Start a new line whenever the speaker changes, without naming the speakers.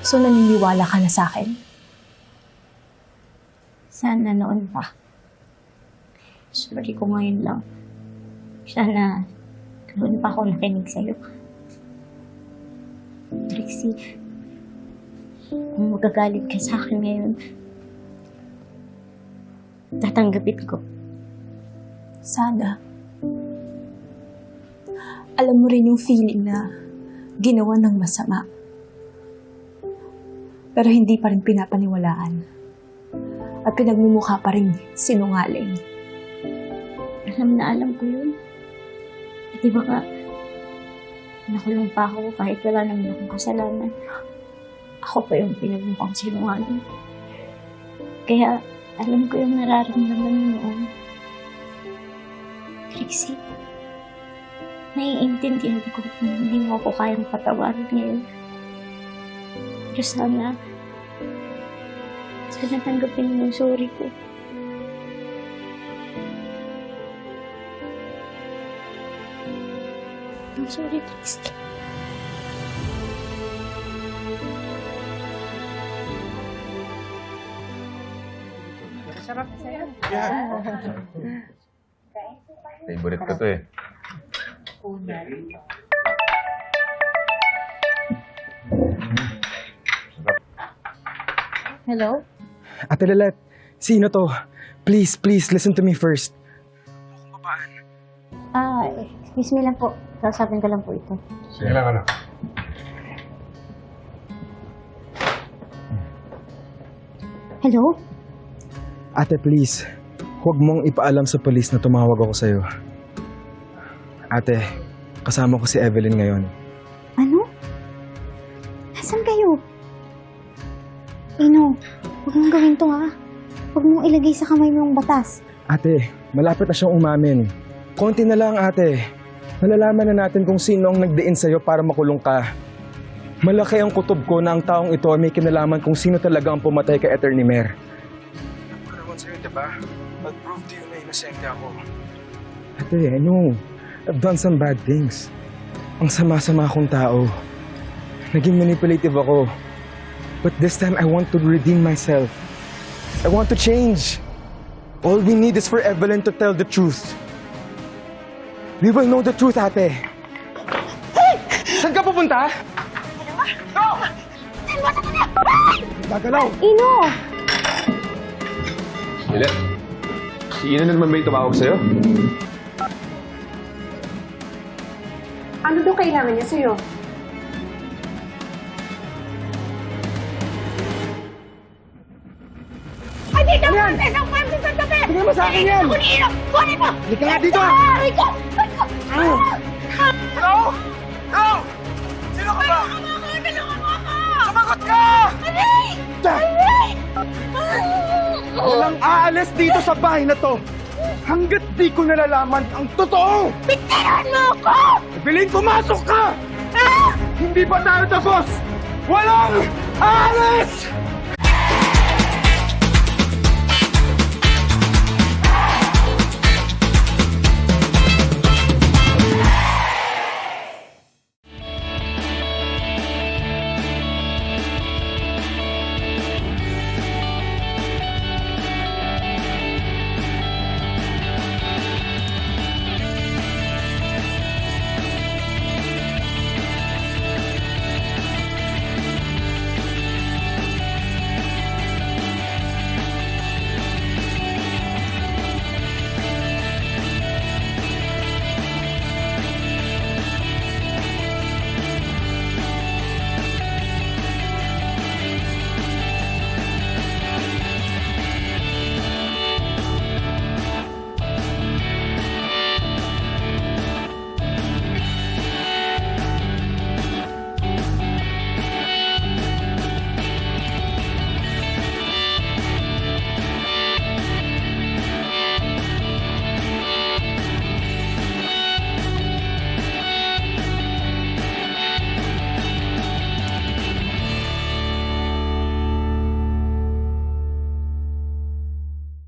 So, naniniwala ka na sa akin?
Sana noon pa. Sorry ko ngayon lang. Sana noon pa ako nakinig sa'yo. Trixie, kung magagalit ka sa akin ngayon, tatanggapin ko.
Sana. Alam mo rin yung feeling na ginawa ng masama. Pero hindi pa rin pinapaniwalaan. At pinagmumukha pa rin sinungaling.
Alam ko yun. At di ba ka, nakulong pa ako kahit wala naman akong kasalanan. Ako pa yung pinagmukhang sinungaling. Kaya alam ko yung nararamdaman mo noon. Trixie, naiintindihan ko kung hindi mo ako kayang patawarin ngayon. Pero sana tanggapin mo yung sorry ko. I'm sorry, Trixie.
Sarap sa'yo.
Favorite ko to eh.
Hello?
Ate Lilet, sino to? Please, listen to me first.
Excuse me lang po. Sasabing ko lang po ito.
Sige lang, ano?
Hello?
Ate, please. Huwag mong ipaalam sa polis na tumawag ako sa'yo. Ate, kasama ko si Evelyn ngayon.
Ano? Nasaan kayo? Ino, huwag mong gawin to ha. Huwag mong ilagay sa kamay mo yung batas.
Ate, malapit na siyang umamin. Konti na lang, ate. Malalaman na natin kung sino ang nagdiin sa'yo para makulong ka. Malaki ang kutob ko na ang taong ito ay may kinalaman kung sino talaga ang pumatay kay Attorney Mer. Naparawan sa'yo, diba? Mag-prove to you na inosente ako. Ate, I know. I've done some bad things. Ang sama-sama akong tao. Naging manipulative ako. But this time, I want to redeem myself. I want to change. All we need is for Evelyn to tell the truth. We will know the truth, ate. Hey! Saan ka pupunta? Go! Gagalaw!
Ino!
Lilet, si Ina na naman ba yung tumawag sa'yo?
Ano daw kailangan niya sa'yo? Ay, dito! Yan! Isang pwede sa tabi!
Bigyan mo sa akin yan!
Kunin mo!
Halika nga dito!
Aray ko!
Hello? Hello? Sino ka ba?
Tulungan mo ako!
Sumagot ka!
Aray! Aray!
Walang aalis dito sa bahay na to hanggat di ko nalalaman ang totoo!
Bitiran mo ako!
Evelyn, pumasok ka!
Ah!
Hindi pa tayo tapos! Walang aalis!